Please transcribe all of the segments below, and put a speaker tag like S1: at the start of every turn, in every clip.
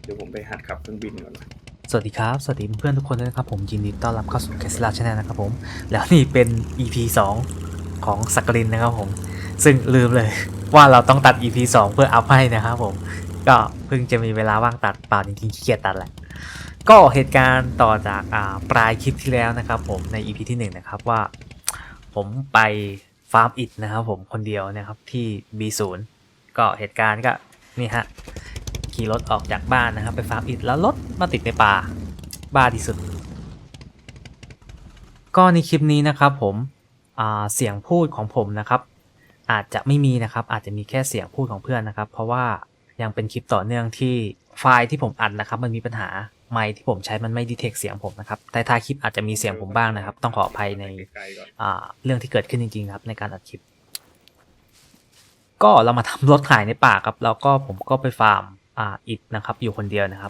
S1: เดี๋ยวผมไปหัดขับเครื่องบินก่อนนะ
S2: สวัสดีครับ สวัสดีเพื่อนทุกคนด้วยนะครับผมยินดีต้อนรับเข้าสู่ Tesla Channel นะครับผมแล้วนี่เป็น EP 2ของสักกลินนะครับผมซึ่งลืมเลยว่าเราต้องตัด EP 2เพื่ออัพให้นะครับผมก็เพิ่งจะมีเวลาว่างตัดเปล่าจริงๆขี้เกียจตัดแหละก็เหตุการณ์ต่อจากปลายคลิปที่แล้วนะครับผมใน EP ที่1นะครับว่าผมไปฟาร์มอิฐนะครับผมคนเดียวนะครับที่ B0 ก็เหตุการณ์ก็นี่ฮะขี่รถออกจากบ้านนะครับไปฟาร์มอิฐแล้วรถมาติดในป่าบ้าที่สุดก็ในคลิปนี้นะครับผมเสียงพูดของผมนะครับอาจจะไม่มีนะครับอาจจะมีแค่เสียงพูดของเพื่อนนะครับเพราะว่ายังเป็นคลิปต่อเนื่องที่ไฟล์ที่ผมอัดนะครับมันมีปัญหาไมค์ที่ผมใช้มันไม่ดีเทคเสียงผมนะครับแต่ท้ายคลิปอาจจะมีเสียงผมบ้างนะครับต้องขออภัยในเรื่องที่เกิดขึ้นจริงๆครับในการอัดคลิปก็เรามาทำรถขายในป่าครับแล้วก็ผมก็ไปฟาร์มอิฐนะครับอยู่คนเดียวนะครับ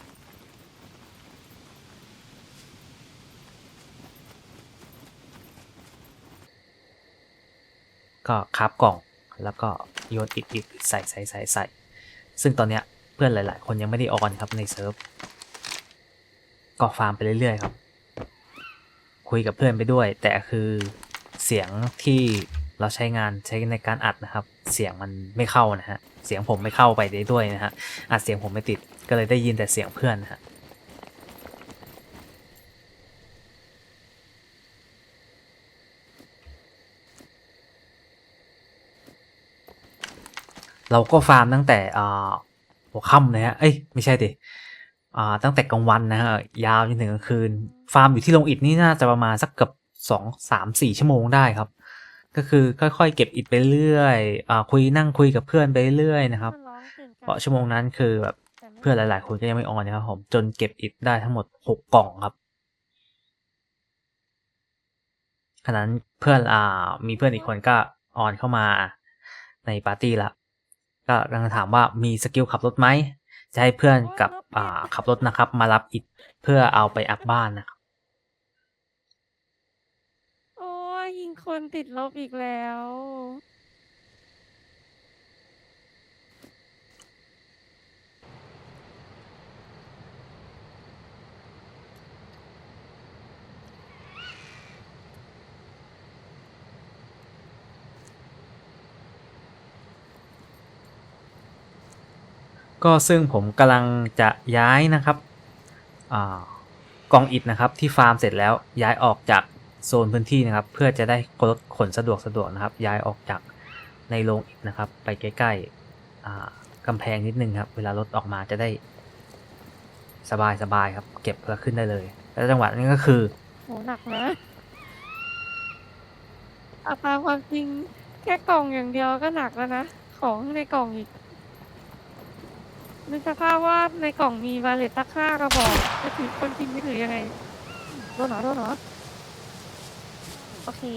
S2: ก็คราฟกล่องแล้วก็โยนอิฐใส่ซึ่งตอนเนี้ยเพื่อนหลายๆคนยังไม่ได้ออนครับในเซิร์ฟก็ฟาร์มไปเรื่อยๆครับคุยกับเพื่อนไปด้วยแต่คือเสียงที่เราใช้ในการอัดนะครับเสียงมันไม่เข้านะฮะเสียงผมไม่เข้าไปได้ด้วยนะฮะอัดเสียงผมไม่ติดก็เลยได้ยินแต่เสียงเพื่อนนะฮะเราก็ฟาร์มตั้งแต่หัวค่ำเลยฮะเอ้ยไม่ใช่ดิตั้งแต่กลางวันนะฮะยาวจนถึงกลางคืนฟาร์มอยู่ที่โรงอิฐนี่น่าจะประมาณสักเกือบ2-3-4 ชั่วโมงได้ครับก็คือค่อยๆเก็บอิฐไปเรื่อยนั่งคุยกับเพื่อนไปเรื่อยนะครับเพราะชั่วโมงนั้นคือแบบเพื่อนหลายๆคนก็ยังไม่ออนนะครับผมจนเก็บอิฐได้ทั้งหมด6 กล่องครับขณะนั้นเพื่อนมีเพื่อนอีกคนก็ออนเข้ามาในปาร์ตี้ละก็กำลังถามว่ามีสกิลขับรถไหมจะให้เพื่อนกับขับรถนะครับมารับอิฐเพื่อเอาไปอัพบ้านนะครับ
S3: โอ้ยยิงคนติดลบอีกแล้ว
S2: ก็ซึ่งผมกำลังจะย้ายนะครับกองอิฐนะครับที่ฟาร์มเสร็จแล้วย้ายออกจากโซนพื้นที่นะครับเพื่อจะได้รถขนสะดวกนะครับย้ายออกจากในโรงอิฐนะครับไปใกล้ๆกำแพงนิดนึงครับเวลารถออกมาจะได้สบายครับเก็บแล้วขึ้นได้เลยแล้วจังหวะนี้ก็คือ
S3: โหหนักนะตามความจริงแค่กล่องอย่างเดียวก็หนักแล้วนะของในกล่องอีกนึกสภาพว่าในกล่องมีบาเลตตั้ง5 กระบอกจะถือคนจริงไม่ถือยังไงโดนเหรอโอเค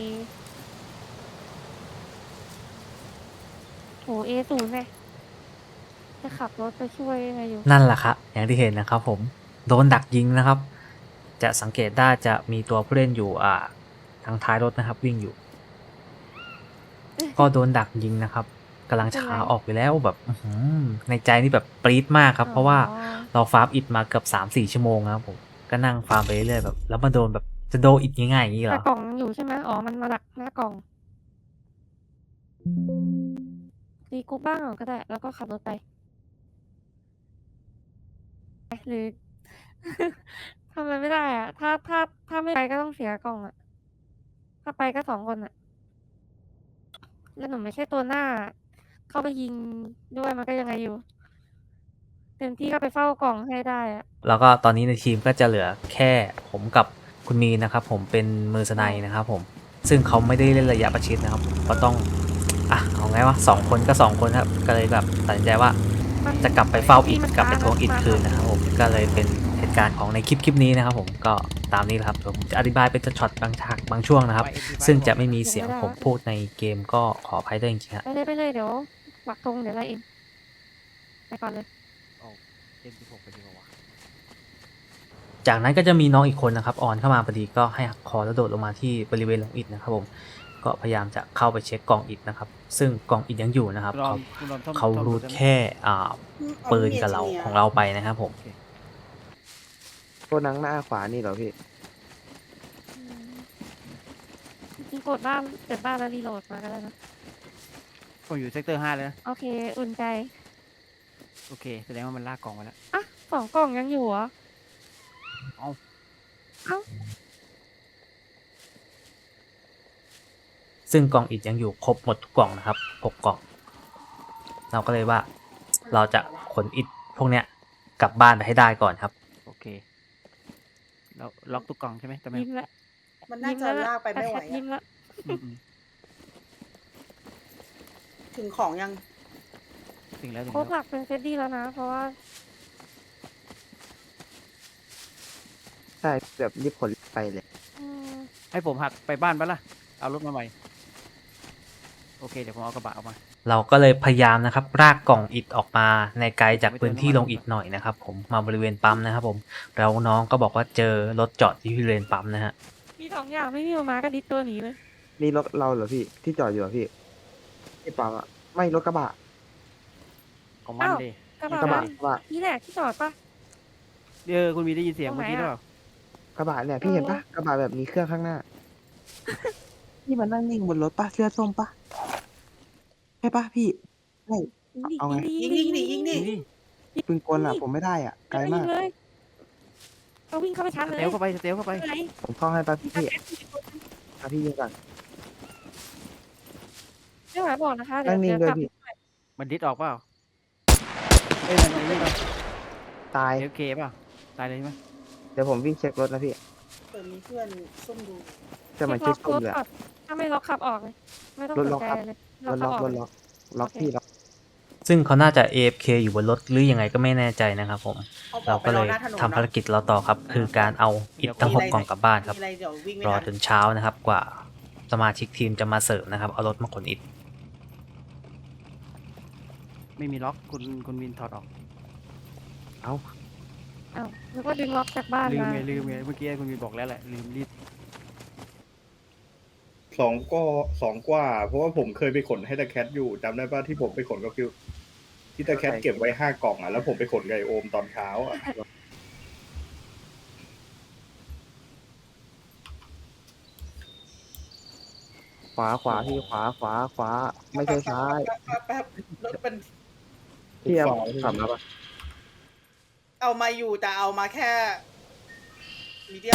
S3: โหA0เลยจะขับรถไปช่วยยังไงอยู่
S2: นั่นแหละครับอย่างที่เห็นนะครับผมโดนดักยิงนะครับจะสังเกตได้จะมีตัวผู้เล่นอยู่ทางท้ายรถนะครับวิ่งอยู่ก็โดนดักยิงนะครับกำลังช้าออกไปแล้วแบบในใจนี่แบบปรี๊ดมากครับเพราะว่าเราฟาร์มอิฐมาเกือบ3-4 ชั่วโมงครับผมก็นั่งฟาร์มไปเรื่อยๆแบบแล้วมาโดนแบบจะโดนอิฐง่ายๆอย่างนี้เหร
S3: แต่
S2: อก
S3: ล่องอยู่ใช่ไหมอ๋อมันมาดักหน้ากล่องตีกูบ้างก็ได้แล้วก็ขับรถไปหรือ ทำอะไรไม่ได้อะถ้าไม่ไปก็ต้องเสียกล่องอะถ้าไปก็2 คนอะแล้วหนูไม่ใช่ตัวหน้า เข้าไปยิงด้วยมันก็ยังไงอยู่เต็มที่ก็ไปเฝ้ากล่องให้ได้อะ
S2: แล้วก็ตอนนี้ในทีมก็จะเหลือแค่ผมกับคุณมีนะครับผมเป็นมือสไนนะครับผมซึ่งเขาไม่ได้เล่นระยะประชิดนะครับผมก็ต้องเอาไงวะ2 คนก็2 คนครับก็เลยแบบตัดสินใจว่าจะกลับไปเฝ้าอิฐกลับไปทวงอิฐคืนนะครับผมก็เลยเป็นเหตุการณ์ของในคลิปนี้นะครับผมก็ตามนี้แหละครับผมจะอธิบายเป็นช็อตบางฉากบางช่วงนะครับซึ่งจะไม่มีเสียงผมพูดในเกมก็ขออภัยด้วยจริงๆครับ
S3: ไปเลยเดี๋ยวปักธงเดี๋ยวไล่เองไปก่อนเลย
S2: จากนั้นก็จะมีน้องอีกคนนะครับออนเข้ามาพอดีก็ให้หักคอแล้วโดดลงมาที่บริเวณหลังอิฐนะครับผมก็พยายามจะเข้าไปเช็คกล่องอิฐนะครับซึ่งกล่องอิฐยังอยู่นะครับเขารูดแค่ปืนกับเราของเราไปนะครับผม
S4: ตัวหนังหน้าขวานี่เหรอพี่
S3: อืมจริงๆกดบ้านเปิดบ้านแล้วรีโหลดมาก็ได้นะ
S5: ผมอยู่เซกเตอร์5เลยนะ
S3: โอเค อุ่นใจ
S5: โอเคแสดงว่ามันลากกล่องไปแล้ว
S3: อ่ะ2 กล่องยังอยู่เหรอ
S5: เอ้า
S3: เอ้า
S2: ซึ่งกล่องอิฐยังอยู่ครบหมดทุกกล่องนะครับ6 กล่อง เราก็เลยว่าเราจะขนอิฐพวกเนี้ยกลับบ้านไปให้ได้ก่อนครับ
S5: โอเคแล้วล็อกทุกกล่องใช่ไหมตะแมว
S3: ยิ้มละ
S6: มันน่าจะลากไปไม่ไหว
S3: แคทยิ้ม
S6: อะ
S3: ละ
S5: อืม
S6: ถึงของยัง
S5: ถึงแล้วถึง
S3: โค้
S5: แล้
S3: ก
S5: ว
S3: หลักเป็นเฟดดี้แล้วนะ เพราะว่า
S4: ใช่แบบรีบขนไปเลย
S3: อืม
S5: ให้ผมหักไปบ้านปะล่ะเอารถมาใหม่โอเคเดี๋ยวผมเอากระบะออกมา
S2: เราก็เลยพยายามนะครับรากกล่องอิฐออกมาในไกลจากพื้นที่ลงอิฐหน่อยนะครับผมมาบริเวณปั๊มนะครับผมแล้วน้องก็บอกว่าเจอรถจอดที่บริเวณปั๊มนะฮะ
S3: มี2 อย่างไม่มีมาก็ดิสตัวหนีเลย
S4: นี่รถเราเหรอพี่ที่จอดอยู่เหรอพี่ที่ปั๊มอะไม่รถกระบะ
S5: ของมัน
S3: อ้าว
S5: ดิ
S3: กระ
S4: กระ
S3: บะ
S4: บะกระบะ
S3: นี่แหละที่จอดปะ
S5: คุณมีได้ยินเสียง
S3: ตรงไหน
S5: เมื่อกี้หรือเป
S3: อะ
S5: ล่าก
S4: ระบะเนี่ยพี่เห็นปะกระบะแบบมีเครื่องข้างหน้า พี่มันนั่งนิ่งบนรถปะเสื้อส้มปะใช่ปะพี่ใช่ เอาไง
S6: ยิงดิยิงดิ
S5: นี่
S4: ปืนกลอะผมไม่ได้อ่ะไกลมาก
S3: ยิงเลยเอาวิ่งเข้าไปชัน
S5: ส
S3: เลย
S5: เตลเข้าไปสเตลเข้าไป
S3: อะไร
S4: ผมเข้าให้ปะพี่ พี่ยิงก่อน
S3: ไม่ไหวบอกนะคะเดี๋ย
S4: นั่
S3: ว
S4: งนิ่ง
S3: เดี๋ยว
S4: ด้วย
S3: กลับ
S4: พี่
S5: มันดิสออกเปล่าเอ้ยมันนี่เปล่า
S4: ตาย
S5: โอเคเปล่าตายเลยใช่ไหม
S4: เดี๋ยวผมวิ่งเช็ครถนะพี่
S6: เปิดมีเพื่อนซุ่มดู
S4: จะมา
S3: เช็
S4: เช็
S3: ค
S4: คส้ม
S3: ล็อก
S4: เลย
S3: ก่อ
S4: อะ
S3: นถ้าไม่ล็อกขับออกเลยไม่ต้อง
S4: ร
S3: ส
S4: ถ
S3: น
S4: ล็อก
S3: ใจ
S4: ครับ
S3: เลย
S4: รถล็อก
S3: ขับ
S4: รถล็อกล็อก
S3: โอเค
S4: พี่ล็อก
S2: ซึ่งเขาน่าจะ AFK อยู่บนรถหรือยังไงก็ไม่แน่ใจนะครับผม
S6: เอาอ
S2: เรา
S6: อกไป
S2: ก็
S6: ร
S2: เล
S6: อย หน้าถนน
S2: ทำภารกิจเราต่อครับ คือการเอาอิฐทั้ง 6 กล่องกลับบ้านครับ
S6: มีอะไรเดี๋ยววิ่งไม่
S2: รอ
S6: ทัน
S2: จนเช้านะครับกว่าสมาชิกทีมจะมาเสริมนะครับเอารถมาขนอิฐ
S5: ไม่มีล็อกคุณวินถอดออก
S4: เอ้า
S3: อ้าวแล้วก็ดึงล็อกจากบ้าน
S5: ลืม
S3: มา
S5: ไงลืมไงเมื่อกี้คุณวินบอกแล้วแหละลืมรีบ
S1: 2 กว่า เพราะว่าผมเคยไปขนให้ตะแคทอยู่จำได้ป่ะที่ผมไปขนกับคิวที่ตะแคทเก็บไว้5 กล่องอ่ะแล้วผมไปขนไก่โอมตอนเช้าอ่ะ
S4: ขวาขวาพี่ขวาขวาขวาไม่ใช่ซ้าย
S6: แป๊บรถเป็น
S4: พี่เอาขับมาปะ
S6: เอามาอยู่แต่เอามาแค่มีเดียม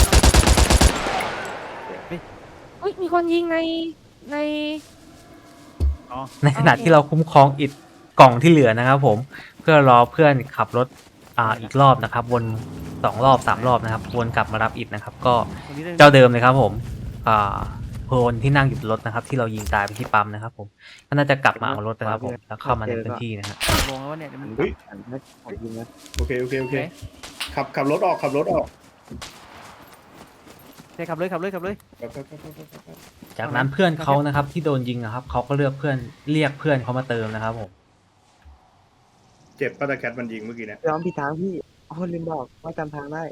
S3: อุ้ยมีคนยิงใน
S5: อ๋อ
S2: ในขณะที่เราคุ้มครองอิฐกล่องที่เหลือนะครับผมเพื่อรอเพื่อนขับรถอีกรอบนะครับวน2 รอบ3 รอบนะครับวนกลับมารับอิฐนะครับก็
S5: ตรงนี้ได้
S2: เจ้าเดิมเลยครับผมโพลที่นั่งอยู่บนรถนะครับ ที่เรายิงตายไปที่ปั๊มนะครับผมก็น่าจะกลับมาเอารถนะครับผมแล้วเข้ามาในพื้นที่นะฮะ
S5: ลงแล้ววะเนี่ยเดี๋ยวมัน
S1: เฮ้ย
S4: หันให้ผมยิงนะ
S1: โอเคขับรถออกขับรถออก
S5: ใช่ขับเลยขับเลยขับเลย
S1: ไป
S2: จากนั้นเพื่อนเขานะครับที่โดนยิงนะครับเขาก็เรียกเพื่อนเขามาเติมนะครับผม
S1: เจ็บป้าตะแคทมันยิงเมื่อกี้เนี่ย
S4: ย้อมผิดทางพี่อ๋อลืมบอกว่าจำทางได้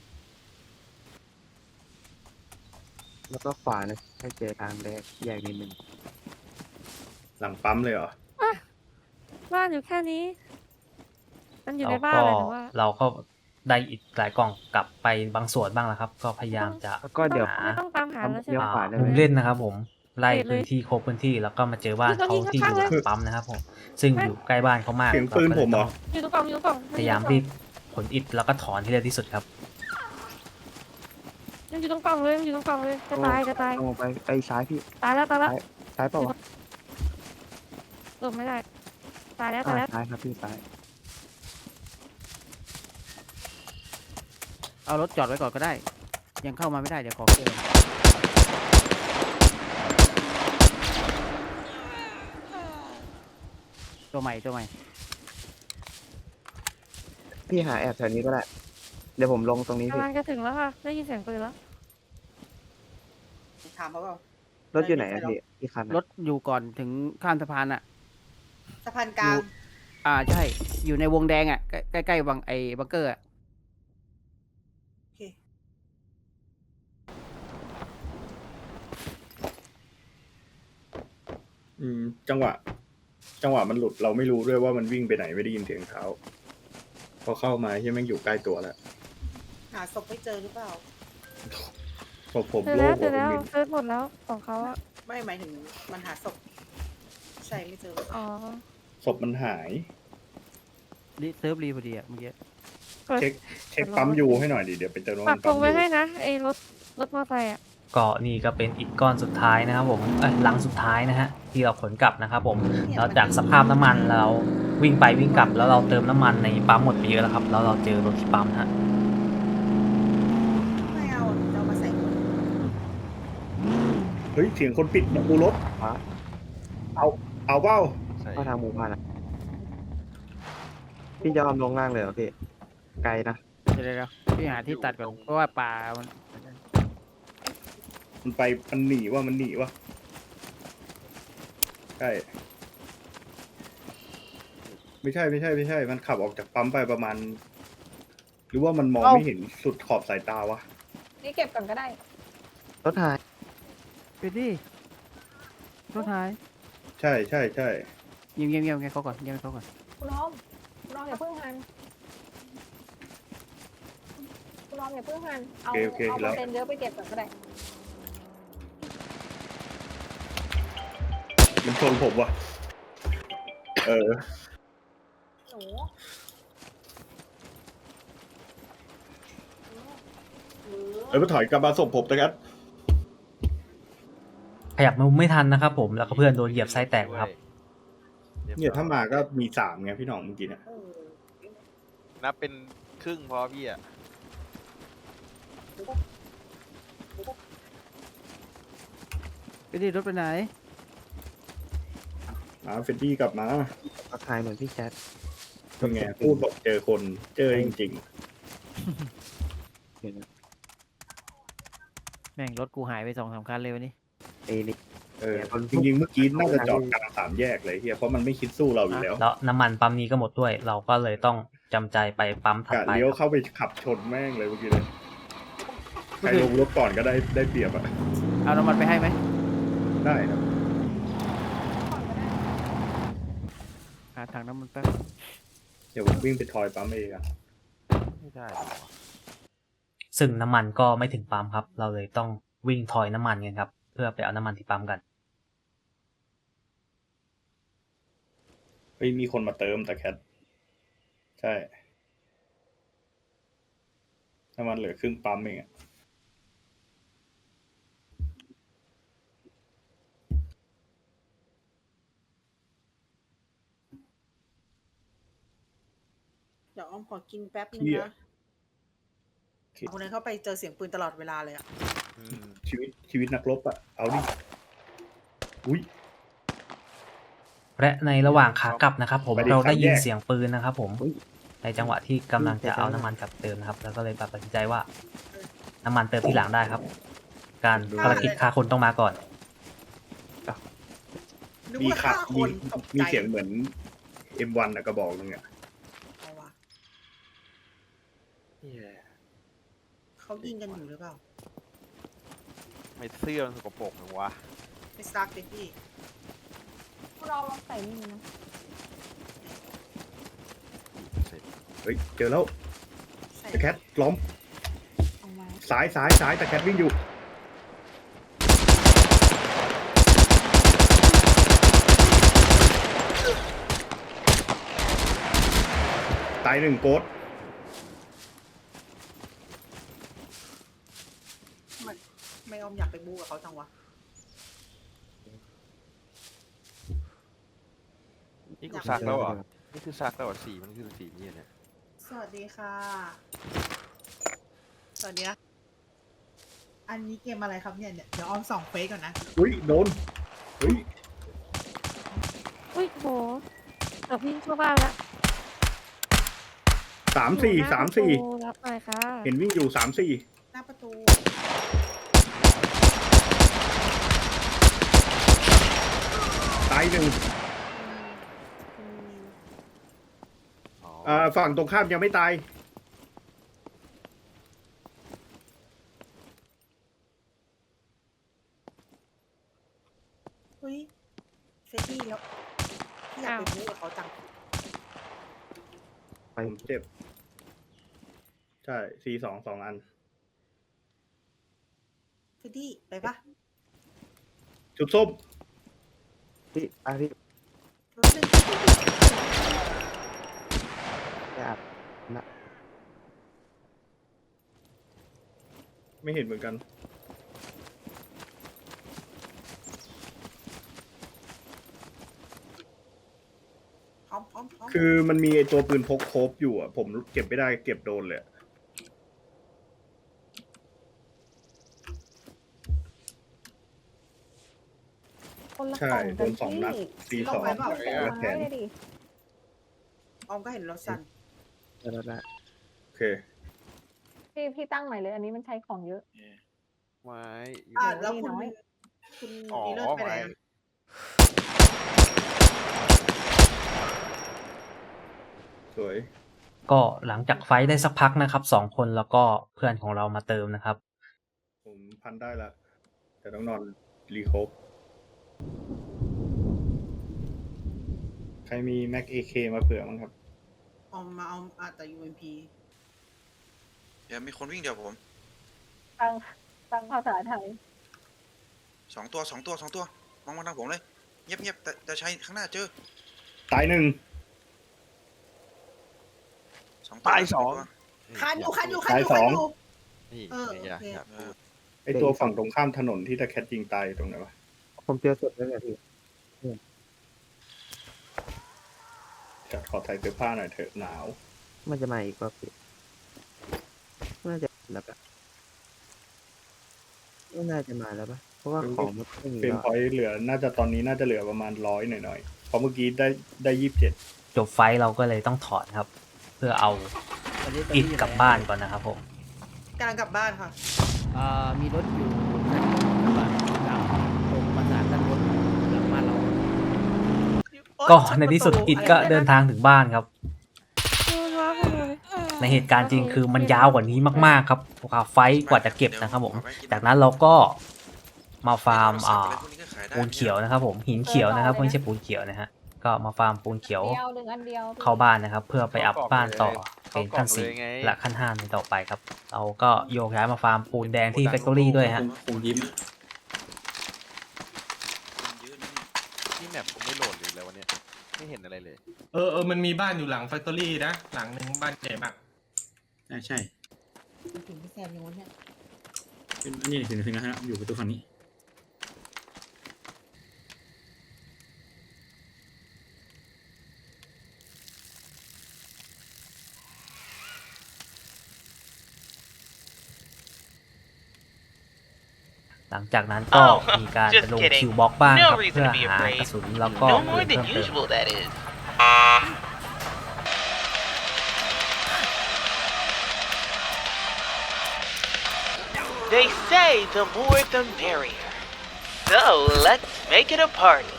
S4: แล้วก็ขวานะให้เจอทางแรกแยกนิดนึง
S1: หลังปั๊มเลยเหรอ
S3: บ้านอยู่แค่นี้ มันอยู่
S2: เรา
S3: ในบ้าน
S2: ก็
S3: เลยหนูว่า
S2: เราก็ได้อีกหลายกล่องกลับไปบางส่วนบ้างแล้วครับ ก็พยายามจะ
S4: แล้วก็เดี๋ยว
S2: หา
S3: ไม่ต้องตามหาแล้วใช่ไหม
S4: เดี๋ยวขวาได้ไหม
S2: มุมเล่นนะครับผมไล่พื้นที่โครบพื้นที่แล้วก็มาเจอบ้านเขาที่อยู่หลังปั๊มนะครับผมซึ่งอยู่ใกล้บ้านเขามาก
S1: เสียงปืนผมเหรอ
S3: อยู่ตรงกล่องอยู่ตรงกล่อง
S2: พยายามรีบขนอิฐแล้วก็ถอนให้เร็วที่สุดครับ
S3: ยังอยู่ตรงกล่องเลยยังอยู่ตรงกล่องเลยจะตายจะตาย
S4: ลงไปไอ้ซ้ายพี่
S3: ตายแล้วตายแล้ว
S4: ซ้ายเปล่าวะ
S3: หลบไม่ได้ตายแล้วตายแล้ว
S4: ซ้ายครับพี่ซ้าย
S5: เอารถจอดไว้ก่อนก็ได้ ยังเข้ามาไม่ได้เดี๋ยวขอเกินตัวใหม่
S4: พี่หาแอบแถวนี้ก็ได้ เดี๋ยวผมลงตรงนี้พี่
S3: กำลังจะถึงแล้วค่ะได้ยินเสียงปืนแล้ว
S6: ถามเขาเปล่าร
S4: ถอยู่ไหนอะพี่คันอะ
S5: รถอยู่ก่อนถึงข้ามสะพานอ่ะ
S6: สะพานกลาง
S5: ใช่อยู่ในวงแดงอ่ะใกล้ๆบังเกอร์อ่ะ
S6: โอเค
S1: จังหวะมันหลุดเราไม่รู้ด้วยว่ามันวิ่งไปไหนไม่ได้ยินเสียงเท้าพอเข้ามาที่แม่งอยู่ใกล้ตัวแล้ว
S6: หาศพไม่เจอหรือเปล่า
S1: ผม
S3: เจอ
S1: โล
S3: แล้ว
S1: ก
S3: เจอแล้ว
S1: มิน
S3: เซิร์ชหมดแล้วของเขาอะ
S6: ไม่หมายถึงมันหาศพใช่ไม่เจอ
S3: อ๋อ
S1: ศพมันหาย
S5: รีเซิร์ฟรีพอดีอะเมื่อกี้
S1: เช็คปั๊มยูให้หน่อยดิเดี๋ยวไปเจอ
S3: ปักตรงไว้
S1: ยู
S3: ให้นะไอ้รถมอเตอร์ไซค์อะ
S2: ก็นี่ก็เป็นอิฐก้อนสุดท้ายนะครับผมลังสุดท้ายนะฮะที่เราขนกลับนะครับผมแล้วจากสภาพน้ำมันเราวิ่งไปวิ่งกลับ แล้วเราเติมน้ำมันในปั๊มหมดไปเยอะแล้วครับแล้วเราเจอรถที่ปั๊มนะฮะ
S6: ไม่เอาจะเอามาใส่คน
S1: เฮ้ยเสียงคนปิดประตูรถ
S4: ฟ้า
S1: เอาเปล่า
S4: เข้าทางหมู่บ้านนะพี่จะเอาลงล่างเลยเหรอพี่ไกลนะ
S5: เดี๋ยวพี่หาที่ตัดก่อนเพราะว่าป่ามัน
S1: มันหนีว่ะใช่ไม่ใช่มันขับออกจากปั๊มไปประมาณ หรือว่ามันมองไม่เห็นสุดขอบสายตาวะ
S3: นี่เก็บก่อนก็ได้
S4: รถหาย
S5: ไปดิรถหาย
S1: ใช่
S5: เงียบเขาก่อนเงียบเขาก่อน
S7: คุณน้องอย่าเพิ่งหันคุณน้องอย่าเพิ่งหันเอา
S1: โอเค
S7: เอา
S1: แล้ว
S7: เปอร์เซ็นต์เยอะไปเก็บก่อนก็ได้
S1: มันชนผมว่ะ
S7: ห
S1: เออ
S7: นู
S1: มาถอยกลับมาศพผมนะครับ
S2: ขยับมาไม่ทันนะครับผมแล้วก็เพื่อนโดนเหยียบไส้แตกครับ
S1: เนี่ยถ้ามาก็มี3ไงพี่หน่องเมื่อกี้เนี่ย
S8: นับเป็นครึ่งพอพี่อ่ะ
S5: ไปดิรถไปไหน
S1: เฟดดี้กลับมา
S4: ก็ทายเหมือนพี่แชท
S1: เป็นไงพูดบอกเจอคนเจอจริง
S4: เห็นไหม
S5: แม่งรถกูหายไป2-3 คันเลยวันนี้
S4: เอ้นี่
S1: จริงๆเมื่อกี้น่าจะจอดกลาง3 แยกเลยเฮียเพราะมันไม่คิดสู้เราอยู่แล้ว
S2: แล้วน้ำมันปั๊มนี้ก็หมดด้วย เราก็เลยต้องจำใจไปปั๊มถัด
S1: กะ
S2: ไป
S1: เลี้ยวเข้าไปขับชนแม่งเลยเมื่อกี้เลยใครลงรถก่อนก็ได้เปรียบอ่ะ
S5: เอาน้ำมันไปให้ไหม
S1: ได้ครับ
S5: หาถังน้ำมันแป๊บ
S1: เดี๋ยวผมวิ่งไปทอยปั๊มเองอ่ะ
S8: ไม่ได้
S2: ซึ่งน้ำมันก็ไม่ถึงปั๊มครับ เราเลยต้องวิ่งทอยน้ำมันกันครับเพื่อไปเอาน้ำมันที่ปั๊มกัน
S1: เฮ้ยมีคนมาเติมแต่แคทใช่น้ำมันเหลือครึ่งปั๊มเองอ่ะ
S6: เดี๋ยวอ้อมขอกินแป๊บนึง
S1: เหี้ย
S6: นะคนนั้นเข้าไปเจอเสียงปืนตลอดเวลาเลยอะ
S1: ชีวิตนักรบอ่ะเอาดิอุ้ย
S2: และในระหว่างขากลับนะครับผม
S1: ไปดิ
S2: เราได้ยิน
S1: สามแยก
S2: เสียงปืนนะครับผมในจังหวะที่กำลังจะเอาน้ำมันกลับเติมนะครับ แล้วก็เลยตัดสินใจว่า น้ำมันเติมทีหลังได้ครับ การภารกิจฆ่าคนต้องมาก่อน
S6: นึก
S1: มี
S6: ว่า
S1: ขั
S6: ฆ่า
S1: ด
S6: คนตก
S1: มี
S6: ใจ
S1: เสียงเหมือน M1 อะกระบอกนึงอ่ะ
S6: เอาวะ
S8: นี่แหละ
S6: เขายิงกันอยู่หรือเปล่า
S8: ไม่เสื้อมันสกปรกหนึ่งวะ
S6: ไม่ซักเลยพี่
S7: คุณน้องลองใส่นี่นะ
S1: เฮ้ยเจอแล้ว
S6: ใส่
S1: แต่แคทล้อม
S7: เอามา
S1: ซ้ายแต่แคทวิ่งอยู่ตาย1โกด
S6: ไม่อ้อมอยากไปบู๊กับเขาจังวะ
S8: นี่กูซักแล้วเหรอนี่คือซักแล้วเหรอสีมันคือสีนี้เนี่ย
S6: สวัสดีค่ะ สวัสดีนะ อันนี้เกมอะไรครับเนี่ย เดี๋ยวอ้อมส่องเฟซก่อนนะ
S1: อุ้ยโดนเฮ้ย
S3: อุ้ยโหเกือบวิ่งเข้าบ้านละ
S1: 3-4
S3: รับหน่อยค่ะ
S1: เห็นวิ่งอยู่3-4
S6: หน้าประตู
S1: ตาย1
S8: อ๋อ
S1: ฝั่งตรงข้ามยังไม่ตาย
S6: เฮ้ยเฟซดี้แล้วพี่อยากไปบู๊กับเขาจัง
S1: ผมเจ็บใช่ C2 2 อัน
S6: เฟดดี้ไปปะ
S1: จุดส้ม
S4: พี่พี่
S6: รถเล่น
S4: ไปอาบนะ
S1: ไม่เห็นเหมือนกัน
S6: พร้อมพร้อมพร้อม
S1: คือมันมีไอตัวปืนพกโคบอยู่อ่ะ ผมเก็บไม่ได้เก็บโดนเลยอะ
S7: คนละ
S1: ใช่
S7: กล่อง
S1: โด
S7: กัน
S1: น2 นัด
S7: พี่
S1: C2 และแขน
S7: ไม่ได้ดิ
S6: ออมก็เห็นรถสั่น
S4: ได้
S1: โอเค
S7: พี่ตั้งใหม่เลย อันนี้มันใช้ของเยอะ
S8: ไว้อยู่
S6: แล้ว
S7: นี่
S6: คุณ
S7: น้อย
S6: คุณ
S8: อ๋อ
S6: ดีเลิศไปไหน
S8: ไว้
S6: อะ
S1: สวย
S2: ก็หลังจากไฟท์ได้สักพักนะครับ2 คนแล้วก็เพื่อนของเรามาเติมนะครับ
S1: ผมพันได้ละแต่ต้องนอนรีโคบใครมีแม็ก AK มาเผื่อมั้งครับ
S6: ออมมาเอาแต่ UMP
S9: เดี๋ยวมีคนวิ่งเดี๋ยวผม
S7: ตั้งภาษาไทย
S9: สองตัวมองมาทางผมเลย เงียบแต่ใช้ข้างหน้าเจอ
S1: ตาย 1
S9: 2 ตัว
S8: ตายสอง
S9: ตัว
S6: คันอยู่
S1: ตายสอง
S8: นี่
S6: เออ
S8: อย่า
S6: โอเค
S8: อย่าพูด
S1: ไอตัวฝั่งตรงข้ามถนนที่ตะแคทยิงตายตรงไหนวะ
S4: ผมเจอศพแล้วเนี่ยพี่
S1: จัดขอใส่เสื้อผ้าหน่อยเถอะหนาว
S4: มันจะมาอีกป่ะพี่น่าจะแล้วปะไม่น่าจะมาแล้วปะเพราะว่าของมันไม่มี
S1: เป็น
S4: แล้ว
S1: พอยต์เหลือ น่าจะตอนนี้น่าจะเหลือประมาณ100หน่อยๆเพราะเมื่อกี้ได้ 27
S2: จบไฟท์เราก็เลยต้องถอนครับ เพื่อเอาอิดกลับบ้านก่อนนะครับผม
S6: กำลังกลับบ้านค่ะ
S5: มีรถอยู่คันหนึ่งกระบะดำตรงประสานด้านบนหลังบ้านเรา
S2: ก็ในที่สุดอิดก็เดินทางถึงบ้านครับ
S3: ดูว่าคุณดูดิ
S2: ในเหตุการณ์จริงคือมันยาวกว่านี้มากๆครับไฟท์กว่าจะเก็บนะครับผม จากนั้นเราก็มาฟาร์มปูนเขียวนะครับผมหินเขียวนะครับไม่ใช่ปูนเขียวนะฮะก็มาฟาร์มปูนเขียว
S7: เดียวหนึ่งอันเดียวพี่
S2: เข้าบ้านนะครับ เพื่อไปอัพบ้านต่อเป็นขั้น
S8: เข้ากล่องเลยไง
S2: 4และขั้น5ในต่อไปครับ เราก็โยกย้ายมาฟาร์มปูนแดงที่แฟคทอรี่ด้วยฮะ
S9: คงยิ้ม
S8: นี่แมปผมไม่โหลดเลยแล้ววันเนี้ยไม่เห็นอะไรเลย
S10: มันมีบ้านอยู่หลังแฟคทอรี่นะ หลังหนึ่งบ้านใหญ่มาก
S11: ใช่
S6: ถึงพี่แซมอย่างนู้นเนี่ย
S11: เป็นอันนี้ถึงแล้วอยู่ประตูฝั่งนี้
S2: หลังจากนั้นก็มีการไปลงคิวบ็อกบ้างครับเพื่อหากระสุนแล้วก็ปืนเพิ่มเติม
S12: They say the more the merrier. So let's make it a party.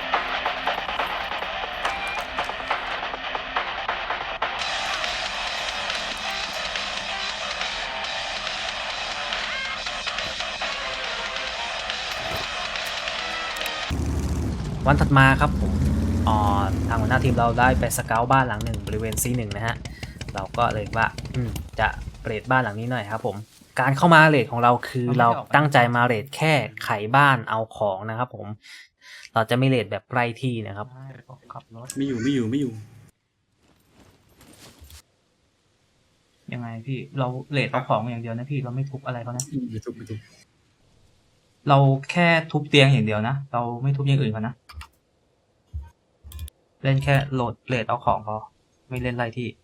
S2: วันถัดมาครับผมทางหัวหน้าทีมเราได้ไปสเกาต์บ้านหลังหนึ่งบริเวณ C1 นะฮะเราก็เลยว่าจะเรทบ้านหลังนี้หน่อยครับผมการเข้ามาเรทของเราคือเราตั้งใจมาเรทแค่ไขบ้านเอาของนะครับผมเราจะไม่เรทแบบใกล้ที่นะครับ
S11: ไม่อยู่
S2: ยังไงพี่เราเรทเอาของอย่างเดียวนะพี่เราไม่ทุบอะไรเขานะ
S11: ไม่ทุบ
S2: เราแค่ทุบเตียงอย่างเดียวนะเราไม่ทุบอย่างอื่นเขานะเล่นแค่โหลดเรทเอาของพอไม่เล่นไรที่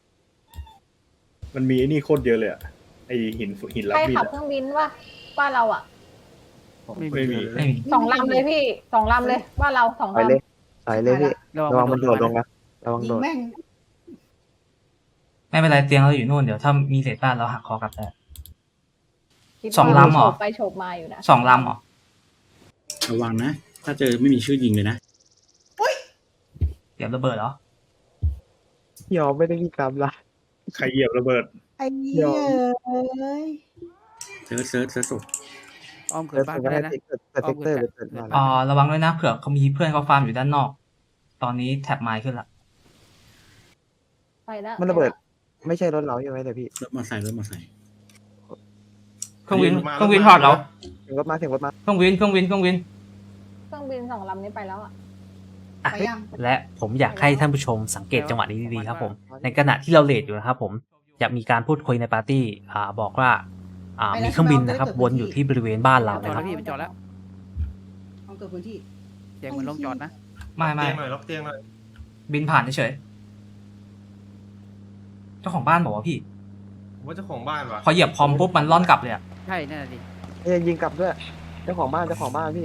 S1: มันมีไอ้นี่โคตรเยอะเลยอะไอหินรับ
S7: ใคร
S1: มีด
S7: ขับ
S1: อะ
S7: เครื่องบินวะบ้านเราอ่ะ
S1: ไม่มี
S7: 2 ลำเลยพี่2 ลำเลยบ้านเรา2
S4: ถอย
S7: ลำ
S4: เลยถอยเลยพี่ระวังมันโดดลงนะระวัง
S6: ยิ
S4: โด
S6: ง
S4: ด
S6: แม่ง
S2: ไม่เป็นไรเตียงเราอยู่นู่นเดี๋ยวถ้ามีเศษบ้านเราหักคอกลับได้
S7: คิดว่า
S2: สองลำเหรอ
S7: โฉบไปโฉบมาอยู่นะ
S2: 2 ลำเหรอ
S11: ระวังนะ ถ้าเจอไม่มีชื่อยิงเลยนะ
S2: เดี๋ยวระเบิดเหรอย
S4: อมไม่ได้มีกรรมละ
S1: ใครเหยียบระเบิด
S6: ไอ้เหี้ยเอ้ย
S11: เซิร์ชศพ
S5: อ้อมเกิ
S4: เกิ
S5: ด
S4: ด
S5: บ้าน
S4: ก็
S5: ก็
S4: ได้
S5: ได้นะ
S4: เกิดเซกเตอร์หรือเกิดบ้าน
S2: ระวังด้วยนะเผื่อเขามีเพื่อนเขาฟาร์มอยู่ด้านนอก ตอนนี้แท็บไม้ขึ้นละ
S7: ไปแล้ว
S4: มันระเบิดไม่ใช่รถเราใช่ไหมแต่พี่
S11: รถมอเตอร์ไซค์รถมอเตอร์ไซค์
S2: เครื่องบินผ่านแล้ว
S4: เสียงรถมาเสียงรถมา
S2: เครื่องบิน
S7: เครื่องบิน2 ลำนี้ไปแล้วอ่ะ
S2: อ่ะและผมอยากให้ท่านผู้ชมสังเกตจังหวะนี้ดีๆครับผม ในขณะที่เราเลทอยู่นะครับผมจะมีการพูดคุยในปาร์ตี้บอกว่ามีเครื่องบินนะครับวนอยู่ที่บริเวณบ้านเรา
S5: จอ
S2: นะ
S5: ด
S2: ค
S5: แล้
S2: รับ
S5: วพี่มันจอดแล้ว
S6: ต้องเกิดพื้นที่
S5: เสียงเหมือนลงจอดนะ
S2: ไม่
S10: เตียงหน่อยล็อกเตียงหน่อย
S2: บินผ่านเฉยเจ้าของบ้านบอกว่าพี่
S10: ผมว่าเจ้าของบ้านวะ
S2: พอเหยียบพร้อมปุ๊บมันล่อนกลับเลยอะ
S5: ใช่นั่นแหละดิ
S4: ยิงกลับด้วยเจ้าของบ้านพี่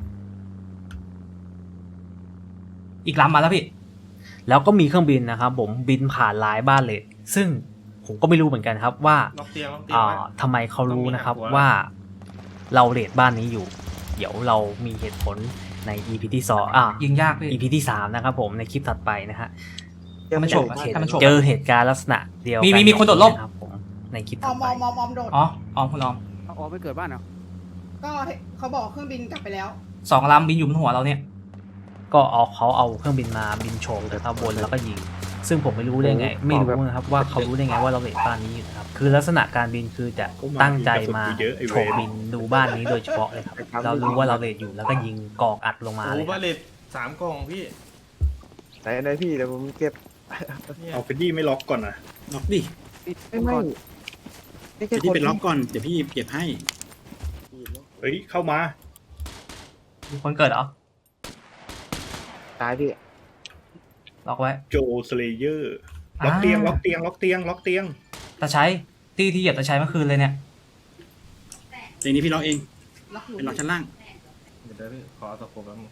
S2: อีกลำมาแล้วพี่ แล้วก็มีเครื่องบินนะครับผมบินผ่านหลายบ้านเลย ซึ่งผมก็ไม่รู้เหมือนกันครับว่า
S10: ล็อกเตียงไว้
S2: ทำไมเขารู้นะครับ
S10: ต้องมีหักหัว
S2: ว่าเราเลทบ้านนี้อยู่ เดี๋ยวเรามีเหตุผลใน EP ที่2ยิงยาก EP ที่3นะครับผมในคลิปถัดไปนะฮะ
S4: ยังไม่จบ
S2: เจอเหตุการณ์ลักษณะเดียวกัน
S13: มีคนโดดร่ม
S2: นะครับผมในคลิป
S6: อ
S2: ถั
S6: อ
S2: ด
S6: ม
S2: ไป
S6: โดด
S13: อ๋อคุณออม
S5: เอาออกไปเกิดบ้านเหรอ
S6: ก็เขาบอกเครื่องบินกลับไปแล้ว
S13: 2 ลำบินอยู่บนหัวเราเนี่ย
S2: ก็เขาเอาเครื่องบินมาบินโฉบนะครับบนแล้วก็ยิง ซึ่งผมไม่รู้ได้ไง ไม่รู้นะครับว่าเขารู้ได้ไงว่าเราเลทบ้านนี้อยู่นะครับคือลักษณะการบินคือจะตั้งใจมาโฉบบินดูบ้านนี้โดยเฉพาะเลยครับเรารู้ว่าเราเลทอยู่แล้วก็ยิงกอกอัดลงมา
S10: โอ้
S2: เลย
S10: บาเลต3 กล่องพี่
S4: ไหนพี่เดี๋ยวผมเก็บ
S10: เนี่ย
S1: เอาเฟดดี้ไม่ล็อกก่อนนะ
S11: ล็อกดิ
S4: ไม่
S11: เดี๋ยวพี่เป็นล็อกก่อนเดี๋ยวพี่เก็บให้
S1: เฮ้ยเข้ามา
S13: มีคนเกิดเหรอ
S4: ตายพี่
S13: ล็อกไว้
S1: โจสเลเยอร์ล็อกเตียงล็อกเตียงล็อกเตียงล็อกเตียง
S13: ตาใช้ที่เหยียบตาใช้เมื่อคืนเลยเนี่ย
S11: เตียงนี้พี่ล็อกเอง
S6: ล็อกอยู่
S11: เป็นล็อกชั้นล่าง
S10: เดี๋ยวพี่ขอเอาตะโขบแล้วมึง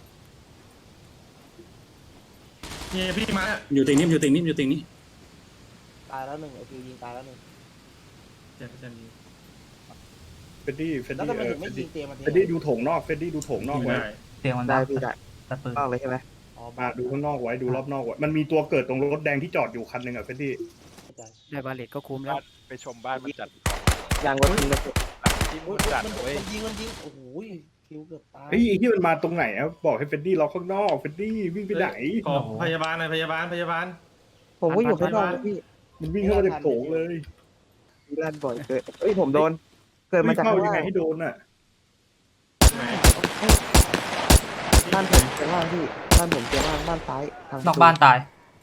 S10: เนี่ยพี่มาแล้ว
S11: อยู่เตียงนี้อยู่เตียงนี้อยู่เตียงนี้
S4: ตายแล้วหนึ่งไอฟิวยิงตายแล้วหนึ่ง
S10: เจ็บเจ็บดี
S1: เฟดดี้เฟด
S4: แล้ว
S1: ดี้
S4: ทำไมถึงไม่ยิงเตียงมัน
S1: เฟดดี้ดูโถงนอกเฟดดี้ดูโถงนอก
S10: ไม่
S1: ไว้
S10: ได้
S13: เตียงมัน
S4: ได้
S13: บัก
S4: พี่ได้
S13: ตัดปืน
S4: ต้องเลยใช่ไหม
S1: ดูข้างนอกไว้ดูรอบนอกไว้มันมีตัวเกิดตรงรถแดงที่จอดอยู่คันหนึ่งอ่ะเฟดดี้
S5: ได้บาเลตก็คุ้มแล้ว
S8: ไปชมบ้านมันจัด
S4: ยางรถยิงเลย
S8: ที่มืดจัดเว้ย
S4: มันยิงโอ้โหฟิวเกือบตาย
S1: เฮ้ยไอ้ที่มันมาตรงไหนอ่ะบอกให้เฟดดี้ล็อกข้างนอกเฟดดี้วิ่งไปไหน
S10: ขอพยาบาลหน่อยพยาบาล
S4: ผมก็อยู่ข้างนอกพี่
S1: มันวิ่งเข้ามาในโถงเลย
S4: ลั่นบ่อยเกิดเอ้ยผมโดน เกิดมา
S1: วิ่ง
S4: จาก
S1: เข้า
S4: ข้าง
S1: ยัง
S4: ล่า
S1: ไง
S4: ง
S1: ให้โดนอ่ะ
S10: ไหน
S4: บ้านผมเตียงล่างพี่บ้านผมเตียงล่างบ้านซ้ายทาง
S13: นอกบ้านตาย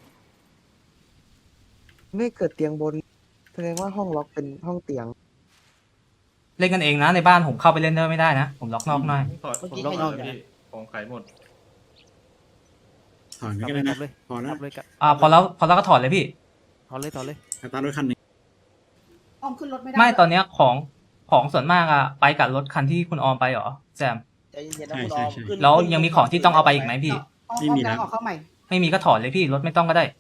S4: ไม่เกิดเตียงบนแสดงว่าห้องล็อกเป็นห้องเตียง
S13: เล่นกันเองนะในบ้านผมเข้าไปเล่นด้วยไม่ได้นะ ผมล็อกนอกหน่อย
S10: ถอดผมล็อกเอาเลยพี่ของขายหมด
S11: ถอนไปก็ได้นะ
S5: เลย
S11: พอแล้ว
S5: เลย
S13: พอแล้วก็ถอดเลยพี่
S5: ถอนเลย
S11: สตาร์ทรถคันหนึ่ง
S6: ออมขึ้นรถไม่ได้
S13: ไม่ตอนเนี้ยของส่วนมากอะไปกับรถคันที่คุณออมไปเหรอแซม
S4: ใจเย็นๆนะ
S11: ใช่
S4: คุณอ
S11: ใช่
S4: อม
S11: ใช่
S4: ขึ้น
S13: แล้วยังมีของที่ต้องเอาไปอีกไหมพี่
S6: ออม
S11: ไม่มี
S6: ดั
S11: แล้
S6: ง
S11: ว
S6: ออกเข้าใหม่
S13: ไม่มีก็ถอดเลยพี่รถไม่ต้องก็ได้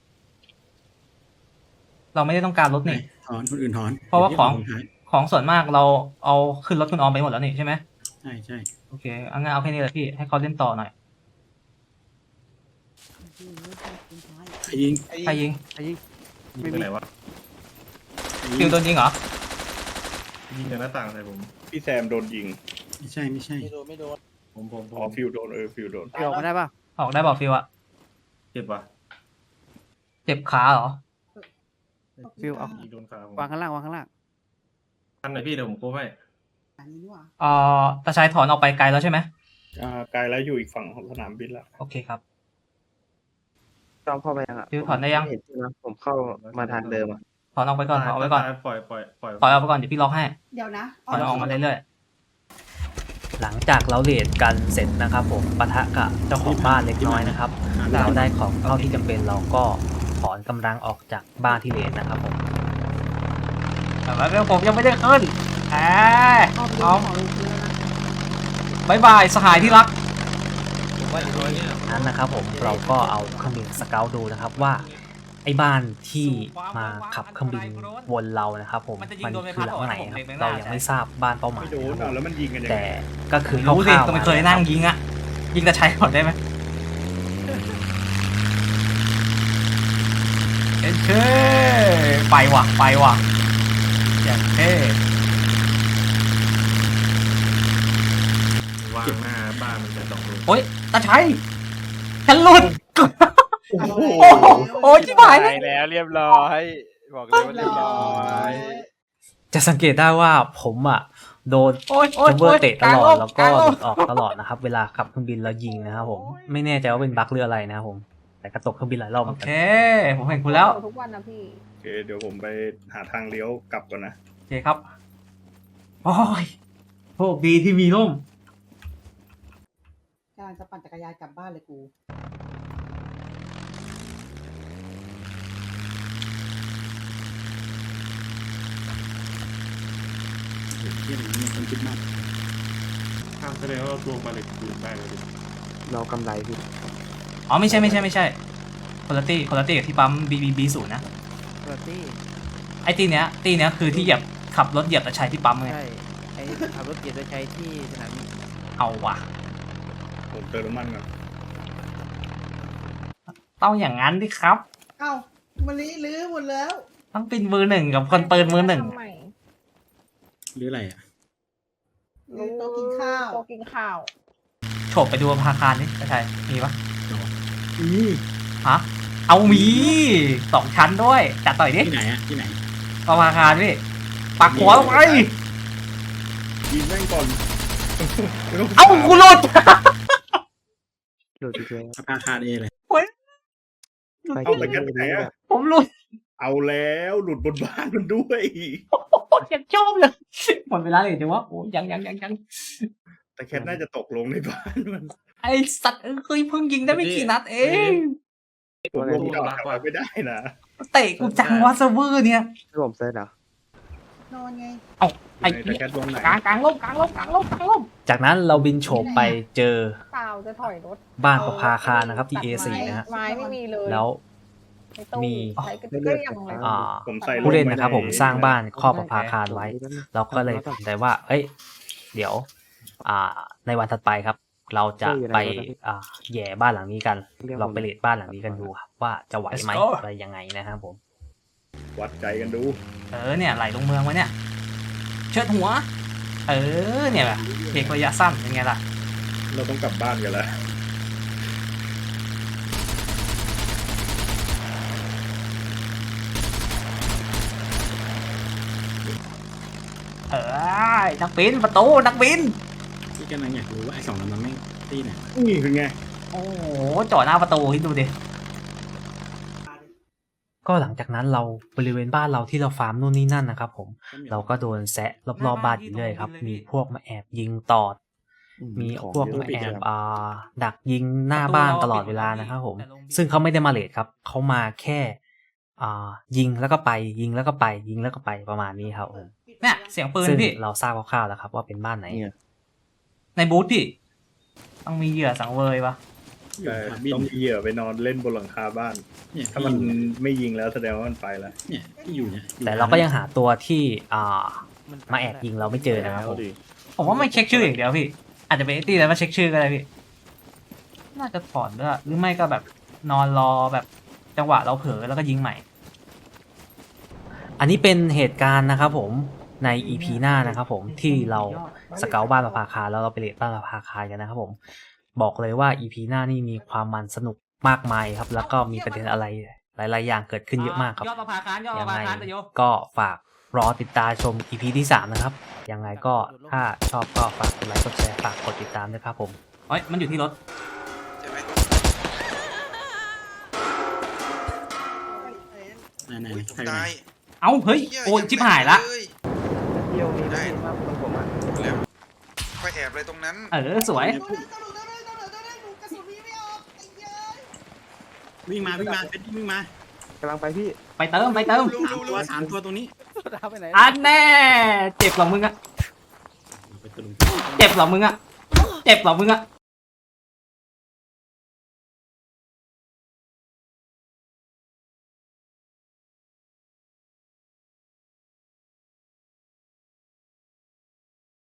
S13: เราไม่ได้ต้องการรถนี่
S11: ถอนคนอื่นถอน
S13: เพราะว่าของ
S11: ดี๋ยพี่
S13: ของส่วนมากเราเอาขึ้นรถคุณออมไปหมดแล้วนี่ใช่ไหม
S11: ใช่ใช่
S13: โอเคเอางั้นเอาแค่นี้แหละพี่ให้เขาเล่นต่อหน่อย
S11: ใครยิง
S13: ใครยิง
S10: ยิงไปไหนวะ
S13: ฟิวโดนยิงเหรอ
S10: ยิงจากหน้าต่างใส่ผม
S1: พี่แซมโดนยิง
S11: ไม่ใช่ไม่ใช่
S4: ไม่โดน
S10: ผม
S1: อ๋อฟิวโดนฟิวโดน
S5: พี่ออกมาได้ป่ะ
S13: ออกได้บอกฟิวอะ
S10: เจ็บว่ะ
S13: เจ็บขาเหรอ
S5: ฟิวเอา
S10: ยิงโดนขาผม
S5: วางข้างล่าง
S10: อันไหนพี่เดี๋ยวผมโค้งให้
S6: อันนี้นี่หว่า
S13: ตาชายถอนออกไปไกลแล้วใช่ไหม
S1: ไกลแล้วอยู่อีกฝั่งของสนามบินละ
S13: โอเคครับ
S4: จอมเข้าไปยังอ่ะ
S13: ฟิวถอนได้ยัง
S4: ม่เห็นใช่ไหมผมเข้ามาทางเดิมอ่ะ
S13: ถอนออกไปก่อนถอนออกไปก่อน
S10: ปล่อย
S13: ถอนออกไปก่อนเดี๋ยวพี่ล็อกให้
S6: เดี๋ยวนะ
S13: ถอนออกมาเรื่อย
S2: หลังจากเราเลทกันเสร็จนะครับผมปะทะกับเจ้าของบ้านเล็กน้อยนะครับเราได้ของเท่าที่จำเป็นเราก็ถอนกำลังออกจากบ้านที่เลทนะครับผม
S13: ๆแต่ว่าผมยังไม่ได้ขึ้นเอาบายบายสหายที่รัก
S2: นั้นนะครับผมเราก็เอาเครื่องบินสเกลดูนะครับว่าไอ้บ้านที่มาขับเครื่องบินวนเรานะครับผมมันคือหลังไหนครับเรายังไม่ทราบบ้านเป้าหมาย
S1: ไม่โดนแล้วมันยิงกันยัง
S2: แต่
S1: ไง
S2: ก็คือค
S13: รู้สิ
S2: ร่าวๆ
S13: ก็ไม่เคยนั่งยิงอะยิงตาใช้ก่อนได้ไหมเท่ไปว่ะอย่างเท่
S10: วางหน้าบ้านมันจะ2 ลูก
S13: โอ๊ยตาใช้ฉันหลุด
S1: โอ้โห
S13: โอ้ยชิบหายแล้ว
S8: ไปแล้วเรียบร้อยบอกเลยว่าเรียบร้อย
S2: จะสังเกตได้ว่าผมอ่ะโดน
S13: โอ้ยโอ้ย
S2: จัมเบอ
S13: โอ้ย
S2: ร์เตะต
S13: กลาง
S2: ลอ
S13: โล
S2: ด
S13: ก
S2: แล้ว
S13: ก
S2: ก็
S13: ลางโล
S2: หลุ
S13: ก
S2: ดออกตลอดนะครับเวลาขับเครื่องบินแล้วยิงนะครับผมไม่แน่ใจว่าเป็นบั๊กหรืออะไรนะครับผมแต่กระตกเครื่องบินหลายรอบเห
S13: โอ
S2: มือนกั
S13: เคน ผมเห็นคุณแล้ว
S7: ทุกวันนะพี่
S1: โอเคเดี๋ยวผมไปหาทางเลี้ยวกลับก่อนนะ
S13: โอเคครับโอ้ยโชคดีที่มีร่ม
S6: กำลังจะปั่นจักรยานกลับบ้านเลยกู
S11: เที่ยงนี้มันคิดมาก
S10: แสดงว่าเราตัวมาเหล็กคืนได้เลยดิ
S4: เรากำไรพี่
S13: อ๋อไม่ใช่คนละตี้กับที่ปั๊ม BB0 นะ
S5: ตัวตี้
S13: ไอ้ตีเนี้ยคือที่เหยียบขับรถเหยียบตะชัยที่ปั๊มไง
S5: ใช่ไอ้ขับรถเกียร์โดยใช้ที่สนามบิน
S13: เอาว่ะ
S1: ผมเติมน้ำมันก่อน
S13: ต้องอย่างนั้นดิครับ
S6: เอ้ามันลื้อหมดแล้ว
S13: ต้องเป็นมือหนึ่งกับคนเปิดมือหนึ่ง
S7: ทำไม
S11: หรืออะไรอ่ะ
S6: ลื้อโต๊ะกินข้าว
S7: โต๊ะกินข้าว
S13: โฉบไปดูอาคารนี่ตะชัยมีปะ
S11: นี่
S13: ฮะเอามี2 ชั้นด้วยจัดต่อยดิ
S11: ที่ไหนอ่ะที่ไหน
S13: อาคารพี่ปักหัวลงไป
S1: ยิงแม่งก่อนไม่ต้ง
S13: เอ้ากูหลุด
S4: โดดพี่เจ
S11: อาคารเอเลย
S1: เอาแต่แค่ไหนอะ
S13: ผมหลุด
S1: เอาแล้วหลุดบนบ้านมันด้วย
S13: ยังชอบเลยหมดเวลาเลยจังวะโอ้ยัง
S1: แต่แค่น่าจะตกลงในบ้านมัน
S13: ไอสัตว์เอ้ยเพิ่งยิงได้ไม่กี่นัดเอง
S1: ผมลงกลับมาไม่ได้นะ
S13: เตะกูจังวะเซิร์ฟเวอร์เนี่ย
S4: พี่ผมเซิร์ชเหรอ
S6: นอนไง
S13: ไอ้
S1: แต่แค่ลงไหน
S13: กลางล่ม
S2: จากนั้นเราบินโฉบไปเจอ
S7: เปล่าจะถอยรถ
S2: บ้านประภาคารนะครับที่ A4 นะฮะ
S7: ไม้ไม่มีเลย
S2: แล้ว
S7: ในตู้
S2: มี
S7: ใช้กระเตื้องเลย
S2: อ่า
S1: ผมใส่
S2: ผู้เล่นนะครับผมสร้างบ้านครอบประภาคารไว้ เราก็เลยตัดสินใจว่า เอ้ย เดี๋ยว ในวันถัดไปครับ เราจะไปแย่บ้านหลังนี้กัน เราไปเลดบ้านหลังนี้กันดูครับว่าจะไหวไหมอะไรยังไงนะครับผม
S1: วัดใจกันดู
S13: เนี่ยไหลลงเมืองวะเนี่ยเชิดหัว เนี่ยแบบเอกระยะสั้นเป็นไงล่ะ
S1: เราต้องกลับบ้านกันแล้ว
S13: นักบินประตูนักบิน
S11: ที่กำลังอยากรู้ว่าไอ้2 ลำนั้นไม่ที่ไหน
S1: นี่คือไง
S13: โอ้โหจ่อหน้าประตูคิดดูดิ
S2: ก็หลังจากนั้นเราบริเวณบ้านเราที่เราฟาร์มนู่นนี่นั่นนะครับผม เราก็โดนแซะรอบๆบ้านอยู่เรื่อยครับ มีพวกมาแอบยิงตอด มีพวกมาแอบดักยิงหน้าบ้านตลอดเวลานะครับผม ซึ่งเขาไม่ได้มาเลทครับเขามาแค่ยิงแล้วก็ไปยิงแล้วก็ไปยิงแล้วก็ไปประมาณนี้ครับผม
S13: เนี่ยเสียงปืน
S2: ซึ่ง
S13: พี่
S2: เราทราบคร่าวๆแล้วครับว่าเป็นบ้านไหน
S13: ในบูธพี่ ต้องมีเหยื่อสังเวยปะ
S1: แต่ต้องมีเหยื่อไปนอนเล่นบนหลังคาบ้าน
S11: เนี่ย
S1: ถ้ามันไม่ยิงแล้วแสดงว่ามันไปแล้ว
S11: เนี่ยที่อยู่เนี่ย
S2: แต่เราก็ยังหาตัวที่มาแอบยิงเราไม่เจอนะครับผม
S13: ผมว่าไม่เช็คชื่ออย่างเดียวพี่ อาจจะเป็นไอ้ตีแล้วมาเช็คชื่อก็ได้พี่ น่าจะถอนด้วยหรือไม่ก็แบบนอนรอแบบจังหวะเราเผลอแล้วก็ยิงใหม่
S2: อันนี้เป็นเหตุการณ์นะครับผมใน EP หน้านะครับผมที่เราสเกาบ้านประภาคารแล้วเราไปเลดบ้านประภาคารกันนะครับผมบอกเลยว่า EP หน้านี่มีความมันสนุกมากมายครับแล้วก็มีประเด็นอะไรหลายๆอย่างเกิดขึ้นเยอะมากครับ
S13: ยอดประภาคารยอดป
S2: ยั
S13: ระ
S2: ง
S13: ภา
S2: ไง
S13: คารแต่โย
S2: ก็ฝากรอติดตามชม EP ที่ 3 นะครับยังไงก็ถ้าชอบก็ฝากกดไลค์กดแชร์ฝากกดติดตามด้วยครับผม
S13: เฮ้ยมันอยู่ที่รถ
S9: ใช่ไหม
S11: ไหน
S9: อุ้ย
S11: ๆ
S9: ผม
S11: ใครไหน
S9: ตาย
S13: เอ้าเฮ้ย
S9: หี้
S13: โอ้ยชิบหายละ
S9: เอ้ย
S4: เที่ยวนี้ได้มากตรงผมอ่ะ
S9: แล้วไปแอบอะไรตรงนั้น
S13: สวย
S11: วิ่งมาเป็นวิ่งมาก
S4: ำลังไปพี่
S13: ไปเติม
S11: สามตัวตรงนี้
S5: เอาไปไหน
S13: อันแน่เจ็บเหรอมึงอะ
S11: เอาไปตะลุม
S13: เจ็บเหรอมึงอะเจ็บเหรอมึงอะ